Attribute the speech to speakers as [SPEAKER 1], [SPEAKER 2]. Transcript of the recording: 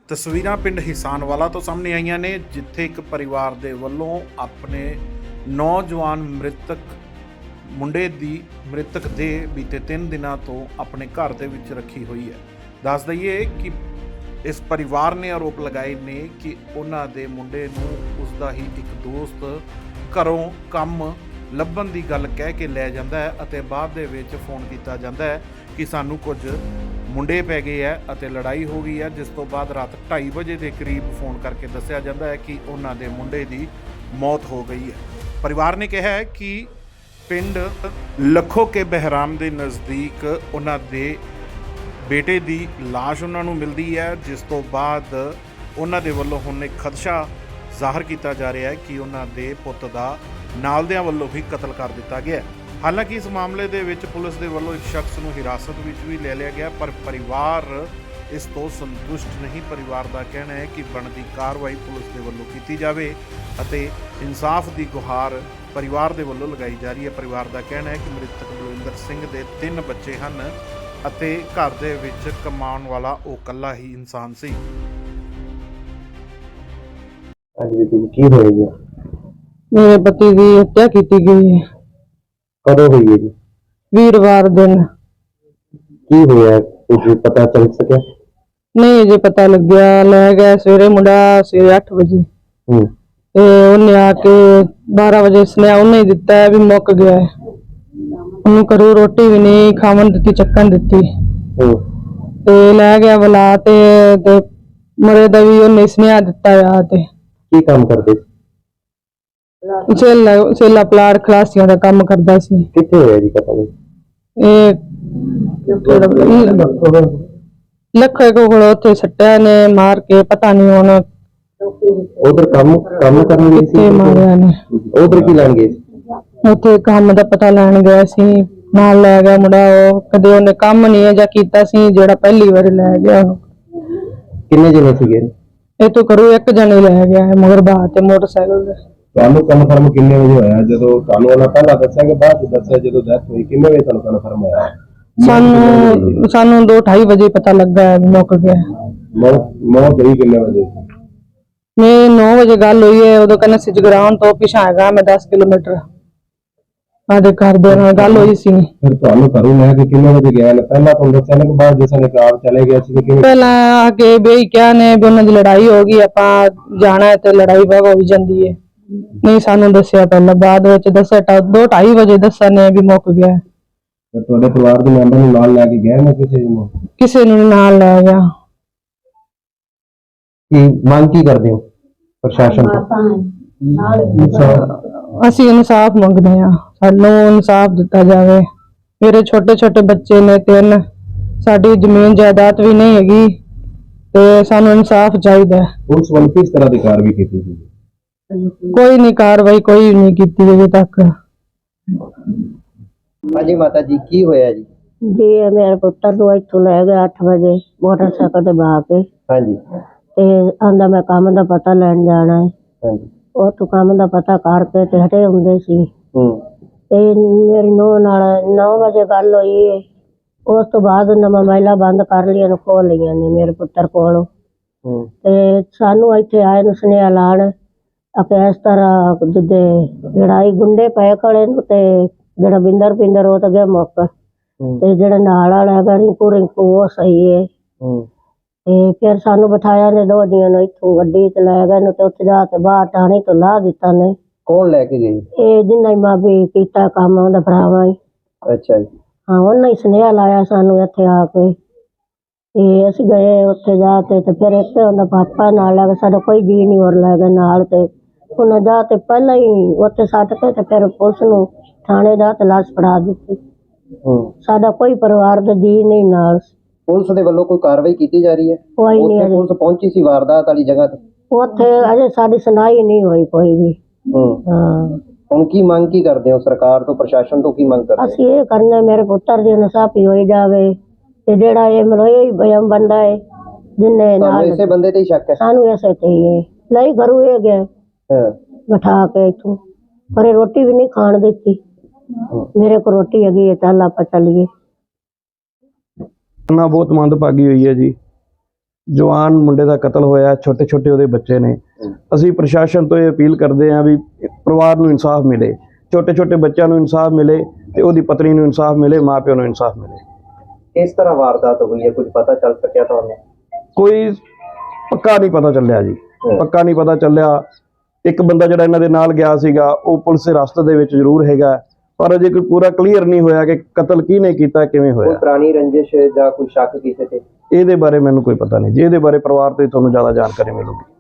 [SPEAKER 1] ਤਸਵੀਰਾਂ ਪਿੰਡ ਹਿਸਾਨਵਾਲਾ ਤੋਂ ਸਾਹਮਣੇ ਆਈਆਂ ਨੇ, ਜਿੱਥੇ ਇੱਕ ਪਰਿਵਾਰ ਦੇ ਵੱਲੋਂ ਆਪਣੇ ਨੌਜਵਾਨ ਮ੍ਰਿਤਕ ਦੇ ਬੀਤੇ 3 ਦਿਨਾਂ ਤੋਂ ਆਪਣੇ ਘਰ ਦੇ ਵਿੱਚ ਰੱਖੀ ਹੋਈ ਹੈ। ਦੱਸ ਦਈਏ ਕਿ ਇਸ ਪਰਿਵਾਰ ਨੇ ਆਰੋਪ ਲਗਾਏ ਨੇ ਕਿ ਉਹਨਾਂ ਦੇ ਮੁੰਡੇ ਨੂੰ ਉਸਦਾ ਹੀ ਇੱਕ ਦੋਸਤ ਘਰੋਂ ਕੰਮ ਲੱਭਣ ਦੀ ਗੱਲ ਕਹਿ ਕੇ ਲੈ ਜਾਂਦਾ ਹੈ ਅਤੇ ਬਾਅਦ ਦੇ ਵਿੱਚ ਫੋਨ ਕੀਤਾ ਜਾਂਦਾ ਹੈ ਕਿ ਸਾਨੂੰ ਕੁਝ ਮੁੰਡੇ ਪੈ ਗਏ ਹੈ ਅਤੇ ਲੜਾਈ ਹੋ ਗਈ ਹੈ, ਜਿਸ ਤੋਂ ਬਾਅਦ ਰਾਤ 2:30 ਵਜੇ ਦੇ ਕਰੀਬ ਫੋਨ ਕਰਕੇ ਦੱਸਿਆ ਜਾਂਦਾ ਹੈ ਕਿ ਉਹਨਾਂ ਦੇ ਮੁੰਡੇ ਦੀ ਮੌਤ ਹੋ ਗਈ ਹੈ। ਪਰਿਵਾਰ ਨੇ ਕਿਹਾ ਹੈ ਕਿ ਪਿੰਡ ਲੱਖੋ ਕੇ ਬਹਿਰਾਮ ਦੇ ਨਜ਼ਦੀਕ ਉਹਨਾਂ ਦੇ ਬੇਟੇ ਦੀ ਲਾਸ਼ ਉਹਨਾਂ ਨੂੰ ਮਿਲਦੀ ਹੈ, ਜਿਸ ਤੋਂ ਬਾਅਦ ਉਹਨਾਂ ਦੇ ਵੱਲੋਂ ਹੁਣ ਇੱਕ ਖਦਸ਼ਾ ਜ਼ਾਹਰ ਕੀਤਾ ਜਾ ਰਿਹਾ ਹੈ ਕਿ ਉਹਨਾਂ ਦੇ ਪੁੱਤ ਦਾ ਨਾਲਦਿਆਂ ਵੱਲੋਂ ਵੀ ਕਤਲ ਕਰ ਦਿੱਤਾ ਗਿਆ ਹੈ। ਹਾਲਾਂਕਿ ਇਸ ਮਾਮਲੇ ਦੇ ਵਿੱਚ ਪੁਲਿਸ ਦੇ ਵੱਲੋਂ ਇੱਕ ਸ਼ਖਸ ਨੂੰ ਹਿਰਾਸਤ ਵਿੱਚ ਵੀ ਲੈ ਲਿਆ ਗਿਆ, ਪਰ ਪਰਿਵਾਰ ਇਸ ਤੋਂ ਸੰਤੁਸ਼ਟ ਨਹੀਂ। ਪਰਿਵਾਰ ਦਾ ਕਹਿਣਾ ਹੈ ਕਿ ਬਣਦੀ ਕਾਰਵਾਈ ਪੁਲਿਸ ਦੇ ਵੱਲੋਂ ਕੀਤੀ ਜਾਵੇ ਅਤੇ ਇਨਸਾਫ ਦੀ ਗੁਹਾਰ ਪਰਿਵਾਰ ਦੇ ਵੱਲੋਂ ਲਗਾਈ ਜਾ ਰਹੀ ਹੈ। ਪਰਿਵਾਰ ਦਾ ਕਹਿਣਾ ਹੈ ਕਿ ਮ੍ਰਿਤਕ ਬਲਵਿੰਦਰ ਸਿੰਘ ਦੇ 3 ਬੱਚੇ ਹਨ ਅਤੇ ਘਰ ਦੇ ਵਿੱਚ ਕਮਾਉਣ ਵਾਲਾ ਉਹ ਇਕੱਲਾ ਹੀ ਇਨਸਾਨ ਸੀ।
[SPEAKER 2] ਕੀ ਹੋਇਆ ਜੀ?
[SPEAKER 3] ਮੇਰੇ ਪਤੀ ਦੀ ਹੱਤਿਆ ਕੀਤੀ ਗਈ ਹੈ।
[SPEAKER 2] ਕਦੋਂ ਹੋਈ ਹੈ ਜੀ?
[SPEAKER 3] ਵੀਰਵਾਰ ਦਿਨ।
[SPEAKER 2] ਕੀ ਹੋਇਆ ਕੁਝ ਪਤਾ ਚੱਲ ਸਕਿਆ?
[SPEAKER 3] ਨਹੀਂ ਅਜੇ ਪਤਾ ਲੱਗਿਆ। ਲੈ ਗਿਆ ਸਵੇਰੇ ਮੁੰਡਾ ਸਵੇਰੇ 8 ਵਜੇ ਤੇ ਉਹਨੇ ਆ ਕੇ 12 ਵਜੇ ਸੁਨੇਹਾ ਉਹਨੇ ਹੀ ਦਿੱਤਾ ਹੈ ਵੀ ਮੁੱਕ ਗਿਆ ਹੈ। ਉਹਨੂੰ ਘਰੋਂ ਰੋਟੀ ਵੀ ਨਹੀਂ ਖਾਵਣ ਦਿੱਤੀ, ਚੱਕਣ ਦਿੱਤੀ ਤੇ ਲੈ ਗਿਆ ਬੁਲਾ ਤੇ ਮਰੇ ਦਾ ਵੀ ਉਹਨੇ ਸੁਨੇਹਾ ਦਿੱਤਾ ਆ। ਤੇ
[SPEAKER 2] ਕੀ ਕੰਮ ਕਰਦੇ ਸੀ?
[SPEAKER 3] ਸੇਲਾ ਪਲਾਟ ਖਲਾਸੀਆਂ ਦਾ ਕੰਮ ਕਰਦਾ ਸੀ।
[SPEAKER 2] ਕਿੱਥੇ ਹੋਇਆ ਜੀ ਪਤਾ ਨਹੀਂ?
[SPEAKER 3] ਇਹ ਲੱਖੇ ਕੋਲ ਉੱਥੇ ਸੱਟਿਆ ਨੇ ਮਾਰ ਕੇ, ਪਤਾ ਨਹੀਂ ਹੁਣ
[SPEAKER 2] ਉਧਰ ਕੰਮ ਕਰਨ ਗਏ
[SPEAKER 3] ਕਿੱਥੇ
[SPEAKER 2] ਸੀ?
[SPEAKER 3] ਮਾਰਿਆ ਨੇ।
[SPEAKER 2] ਉਧਰ ਕੀ ਲੈਣ ਗਏ ਸੀ?
[SPEAKER 3] ਉੱਥੇ ਕੰਮ ਦਾ ਪਤਾ ਲੈਣ ਗਿਆ ਸੀ, ਨਾਲ ਲੈ ਗਿਆ ਮੁੰਡਾ। ਉਹ ਕਦੇ ਉਹਨੇ ਕੰਮ ਨਹੀਂ ਜਾਂ ਕੀਤਾ ਸੀ, ਜਿਹੜਾ ਪਹਿਲੀ ਵਾਰ ਲੈ ਗਿਆ ਉਹਨੂੰ।
[SPEAKER 2] ਕਿੰਨੇ ਜਣੇ ਸੀਗੇ?
[SPEAKER 3] ਇਹ ਤੋਂ ਕਰੂ ਇੱਕ ਜਣੇ ਲੈ ਗਿਆ ਹੈ ਮਗਰ ਬਾਹਰ ਤੇ ਮੋਟਰਸਾਈਕਲ ਤੇ।
[SPEAKER 2] ਤੁਹਾਨੂੰ ਕਨਫਰਮ ਕਿੰਨੇ ਵਜੇ ਹੋਇਆ? ਜਦੋਂ ਤੁਹਾਨੂੰ ਉਹਨਾਂ ਪਹਿਲਾਂ ਦੱਸਿਆ ਕਿ ਬਾਅਦ ਚ ਦੱਸਿਆ ਜਦੋਂ ਡੈਥ ਹੋਈ, ਕਿੰਨੇ ਵਜੇ ਤੁਹਾਨੂੰ ਕਨਫਰਮ ਹੋਇਆ?
[SPEAKER 3] ਸਾਨੂੰ 2:30 ਵਜੇ ਪਤਾ ਲੱਗਾ ਹੈ ਮੁੱਕ ਗਿਆ।
[SPEAKER 2] ਮੌਤ ਹੋਈ ਕਿੰਨੇ ਵਜੇ?
[SPEAKER 3] ਮੈਂ 9 ਵਜੇ ਗੱਲ ਹੋਈ ਹੈ। ਉਦੋਂ ਕਹਿੰਦਾ ਸੀ ਜਗਰਾਉਣ ਤੋਂ ਪਿਛਾਂ ਹੈਗਾ ਮੈਂ 10 ਕਿਲੋਮੀਟਰ। ਸਾਡੇ ਘਰ ਦੇ ਨਾਲ ਗੱਲ ਹੋਈ ਸੀ।
[SPEAKER 2] ਫਿਰ ਤੁਹਾਨੂੰ ਘਰੋਂ ਲੈ ਕੇ ਕਿੰਨੇ ਵਜੇ ਗਿਆ? ਪਹਿਲਾਂ ਤੁਹਾਨੂੰ ਦੱਸਿਆ ਨਾ ਕਿ ਬਾਅਦ ਜਿਸ ਨੇ ਕਾਰ ਚਲੇ ਗਿਆ ਸੀ ਕਿ
[SPEAKER 3] ਪਹਿਲਾਂ ਆ ਕੇ ਬਈ ਕਿਹਾ ਨੇ ਵੀ ਉਹਨਾਂ ਦੀ ਲੜਾਈ ਹੋ ਗਈ, ਆਪਾਂ ਜਾਣਾ ਹੈ ਤੇ ਲੜਾਈ ਬਾਗ ਹੋ ਜਾਂਦੀ ਹੈ। ਨਹੀਂ ਸਾਨੂੰ ਦੱਸਿਆ, ਪਹਿਲਾਂ ਬਾਅਦ ਵਿੱਚ ਦੱਸਿਆ 2:30 ਵਜੇ ਦੱਸਿਆ ਨੇ ਵੀ ਮੁੱਕ ਗਿਆ।
[SPEAKER 2] ਤੁਹਾਡੇ ਪਰਿਵਾਰ ਦੇ ਮੈਂਬਰ ਨੂੰ ਨਾਲ ਲੈ ਕੇ ਗਏ ਨਾ
[SPEAKER 3] ਕਿਸੇ ਨੂੰ ਨਾਲ ਲੈ ਗਿਆ।
[SPEAKER 2] ਕੀ ਮੰਗ ਕੀ ਕਰਦੇ ਹੋ ਪ੍ਰਸ਼ਾਸਨ ਤੋਂ?
[SPEAKER 3] ਅਸੀਂ ਇਨਸਾਫ ਮੰਗਦੇ ਹਾਂ, ਸਾਨੂੰ ਇਨਸਾਫ ਦਿੱਤਾ ਜਾਵੇ। ਮੇਰੇ ਛੋਟੇ ਛੋਟੇ ਬੱਚੇ ਨੇ 3, ਸਾਡੀ ਜ਼ਮੀਨ ਜਾਇਦਾਦ ਵੀ ਨਹੀਂ ਹੈਗੀ ਤੇ ਸਾਨੂੰ ਇਨਸਾਫ ਚਾਹੀਦਾ ਹੈ।
[SPEAKER 2] ਪੁਲਿਸ ਵੱਲੋਂ ਕਿਸ ਤਰ੍ਹਾਂ ਦੀ ਕਾਰਵਾਈ ਕੀਤੀ ਗਈ?
[SPEAKER 3] ਕੋਈ ਨਹੀਂ ਕਾਰਵਾਈ ਕੋਈ ਨਹੀਂ ਕੀਤੀ ਅਜੇ ਤੱਕ।
[SPEAKER 2] ਹਾਂਜੀ ਮਾਤਾ ਜੀ, ਕੀ ਹੋਇਆ ਜੀ?
[SPEAKER 4] ਜੀ ਮੇਰੇ ਪੁੱਤਰ ਨੂੰ ਇੱਥੋਂ ਲੈ ਗਿਆ 8 ਵਜੇ ਮੋਟਰਸਾਈਕਲ ਤੇ ਬਹਾ ਕੇ।
[SPEAKER 2] ਹਾਂਜੀ।
[SPEAKER 4] ਤੇ ਆਂਦਾ ਮੈਂ ਕੰਮ ਦਾ ਪਤਾ ਲੈਣ ਜਾਣਾ ਹੈ।
[SPEAKER 2] ਹਾਂਜੀ।
[SPEAKER 4] ਉਹ ਤੋਂ ਕੰਮ ਦਾ ਪਤਾ ਕਰਕੇ ਤੇ ਹਟੇ ਹੁੰਦੇ ਸੀ। ਤੇ ਮੇਰੀ ਨੂੰਹ ਨਾਲ 9 ਵਜੇ ਗੱਲ ਹੋਈ ਹੈ। ਉਸ ਤੋਂ ਬਾਅਦ ਉਹਨਾਂ ਮੋਬਾਈਲਾਂ ਬੰਦ ਕਰ ਲਈਆਂ ਨੇ, ਖੋਲ ਲਈਆਂ ਨੇ ਮੇਰੇ ਪੁੱਤਰ ਕੋਲੋਂ। ਤੇ ਸਾਨੂੰ ਇੱਥੇ ਆਏ ਨੂੰ ਸੁਨੇਹਾ ਲਾਣ ਆਪੇ ਇਸ ਤਰ੍ਹਾਂ ਜਿੱਦੇ ਲੜਾਈ ਗੁੰਡੇ ਪਏ ਖੜੇ ਨੂੰ ਤੇ ਜਿਹੜਾ ਬਿੰਦਰ ਉਹ ਤਾਂ ਗਿਆ ਮੁੱਕ ਤੇ ਜਿਹੜਾ ਨਾਲ ਵਾਲਾ ਹੈਗਾ ਰਿੰਕੂ ਉਹ ਸਹੀ ਹੈ। ਤੇ ਫਿਰ ਸਾਨੂੰ ਬਿਠਾਇਆ ਨੇ ਦੋਜੀਆਂ ਨੂੰ, ਇੱਥੋਂ ਗੱਡੀ ਚ ਲੈ ਗਏ ਨੂੰ ਤੇ ਉੱਥੇ ਜਾ ਕੇ ਬਾਹਰ ਟਾਣੀ ਤੋਂ ਲਾ ਦਿੱਤਾ ਨੇ।
[SPEAKER 2] ਕੌਣ ਲੈ ਕੇ ਗਈ?
[SPEAKER 4] ਇਹ ਜਿੰਨਾ ਹੀ ਮਾਂ ਵੀ ਕੀਤਾ ਕੰਮ ਉਹਦਾ ਭਰਾਵਾ ਹੀ।
[SPEAKER 2] ਅੱਛਾ ਜੀ।
[SPEAKER 4] ਹਾਂ, ਉਹਨੇ ਹੀ ਸੁਨੇਹਾ ਲਾਇਆ ਸਾਨੂੰ ਇੱਥੇ ਆ ਕੇ। ਤੇ ਅਸੀਂ ਗਏ ਉੱਥੇ ਜਾ ਕੇ ਤੇ ਫਿਰ ਇੱਕ ਉਹਦਾ ਪਾਪਾ ਨਾਲ ਲੈ ਕੇ, ਸਾਡਾ ਕੋਈ ਜੀ ਨਹੀਂ ਹੋਰ ਲੈ ਗਿਆ ਨਾਲ। ਤੇ ਉਹਨਾਂ ਜਾ ਤੇ ਪਹਿਲਾਂ ਹੀ ਉੱਥੇ ਸੱਟ ਕੇ ਤੇ ਫਿਰ ਪੁਲਿਸ ਨੂੰ ਥਾਣੇ ਜਾ ਤੇ ਲਾਸ਼ ਫੜਾ ਦਿੱਤੀ। ਸਾਡਾ ਕੋਈ ਪਰਿਵਾਰ ਦਾ ਜੀ ਨਹੀਂ ਨਾਲ।
[SPEAKER 2] ਪੁਲਿਸ ਦੇ ਵੱਲੋਂ ਕੋਈ ਕਾਰਵਾਈ ਕੀਤੀ ਜਾ ਰਹੀ ਹੈ?
[SPEAKER 4] ਕੋਈ ਨਹੀਂ।
[SPEAKER 2] ਪੁਲਿਸ ਪਹੁੰਚੀ ਸੀ ਵਾਰਦਾਤ ਵਾਲੀ ਜਗ੍ਹਾ ਤੇ?
[SPEAKER 4] ਉੱਥੇ ਅਜੇ ਸਾਡੀ ਸੁਣਾਈ ਨਹੀਂ ਹੋਈ ਕੋਈ ਵੀ। ਹਾਂ।
[SPEAKER 2] ਹੁਣ ਕੀ ਮੰਗ ਕੀ ਕਰਦੇ ਹੋ ਸਰਕਾਰ ਤੋਂ, ਪ੍ਰਸ਼ਾਸਨ ਤੋਂ ਕੀ ਮੰਗ ਕਰਦੇ?
[SPEAKER 4] ਅਸੀਂ ਇਹ ਕਰਨੇ ਮੇਰੇ ਪੁੱਤਰ ਦੀ ਇਨਸਾਫੀ ਹੋਈ ਜਾਵੇ ਤੇ ਜਿਹੜਾ ਇਹ ਮਲੋਇਆ ਹੀ ਬਯਮ ਬੰਦਾ ਹੈ ਜਿੰਨੇ ਨਾਲ
[SPEAKER 2] ਇਸੇ ਬੰਦੇ ਤੇ ਹੀ ਸ਼ੱਕ ਹੈ? ਸਾਨੂੰ
[SPEAKER 4] ਇਸੇ ਤੇ ਹੀ ਨਹੀਂ ਘਰੋਂ ਇਹ ਗਿਆ ਬਿਠਾ ਕੇ ਇੱਥੋਂ, ਪਰ ਰੋਟੀ ਵੀ ਨਹੀਂ ਖਾਣ ਦਿੱਤੀ। ਮੇਰੇ ਕੋਲ ਰੋਟੀ ਹੈਗੀ ਹੈ, ਚੱਲ ਆਪਾਂ ਚੱਲੀਏ।
[SPEAKER 5] ਨਾ ਬਹੁਤ ਮੰਦਭਾਗੀ ਹੋਈ ਹੈ ਜੀ। ਜਵਾਨ ਮੁੰਡੇ ਦਾ ਕਤਲ ਹੋਇਆ, ਛੋਟੇ ਛੋਟੇ ਉਹਦੇ ਬੱਚੇ ਨੇ। ਅਸੀਂ ਪ੍ਰਸ਼ਾਸਨ ਤੋਂ ਇਹ ਅਪੀਲ ਕਰਦੇ ਹਾਂ ਵੀ ਪਰਿਵਾਰ ਨੂੰ ਇਨਸਾਫ ਮਿਲੇ, ਛੋਟੇ ਛੋਟੇ ਬੱਚਿਆਂ ਨੂੰ ਇਨਸਾਫ ਮਿਲੇ ਤੇ ਉਹਦੀ ਪਤਨੀ ਨੂੰ ਇਨਸਾਫ ਮਿਲੇ, ਮਾਂ ਪਿਓ ਨੂੰ ਇਨਸਾਫ ਮਿਲੇ।
[SPEAKER 2] ਇਸ ਤਰ੍ਹਾਂ ਵਾਰਦਾਤ ਹੋਈ ਹੈ, ਕੁਝ ਪਤਾ ਚੱਲ ਸਕਿਆ ਤੁਹਾਨੂੰ?
[SPEAKER 5] ਕੋਈ ਪੱਕਾ ਨਹੀਂ ਪਤਾ ਚੱਲਿਆ ਜੀ, ਪੱਕਾ ਨਹੀਂ ਪਤਾ ਚੱਲਿਆ। ਇੱਕ ਬੰਦਾ ਜਿਹੜਾ ਇਹਨਾਂ ਦੇ ਨਾਲ ਗਿਆ ਸੀਗਾ ਉਹ ਪੁਲਿਸ ਦੇ ਰਸਤੇ ਦੇ ਵਿੱਚ ਜ਼ਰੂਰ ਹੈਗਾ, ਪਰ ਅਜੇ ਕੋਈ ਪੂਰਾ ਕਲੀਅਰ ਨਹੀਂ ਹੋਇਆ ਕਿ ਕਤਲ ਕਿਹਨੇ ਕੀਤਾ, ਕਿਵੇਂ
[SPEAKER 2] ਕੋਈ
[SPEAKER 5] ਹੋਇਆ।
[SPEAKER 2] ਪੁਰਾਣੀ ਰੰਜਿਸ਼ ਜਾਂ ਕੋਈ ਸ਼ੱਕ ਕਿਸੇ ਤੇ?
[SPEAKER 5] ਇਹਦੇ ਬਾਰੇ ਮੈਨੂੰ ਕੋਈ ਪਤਾ ਨਹੀਂ ਜੀ, ਇਹਦੇ ਬਾਰੇ ਪਰਿਵਾਰ ਤੋਂ ਹੀ ਤੁਹਾਨੂੰ ਜ਼ਿਆਦਾ ਜਾਣਕਾਰੀ ਮਿਲੂਗੀ।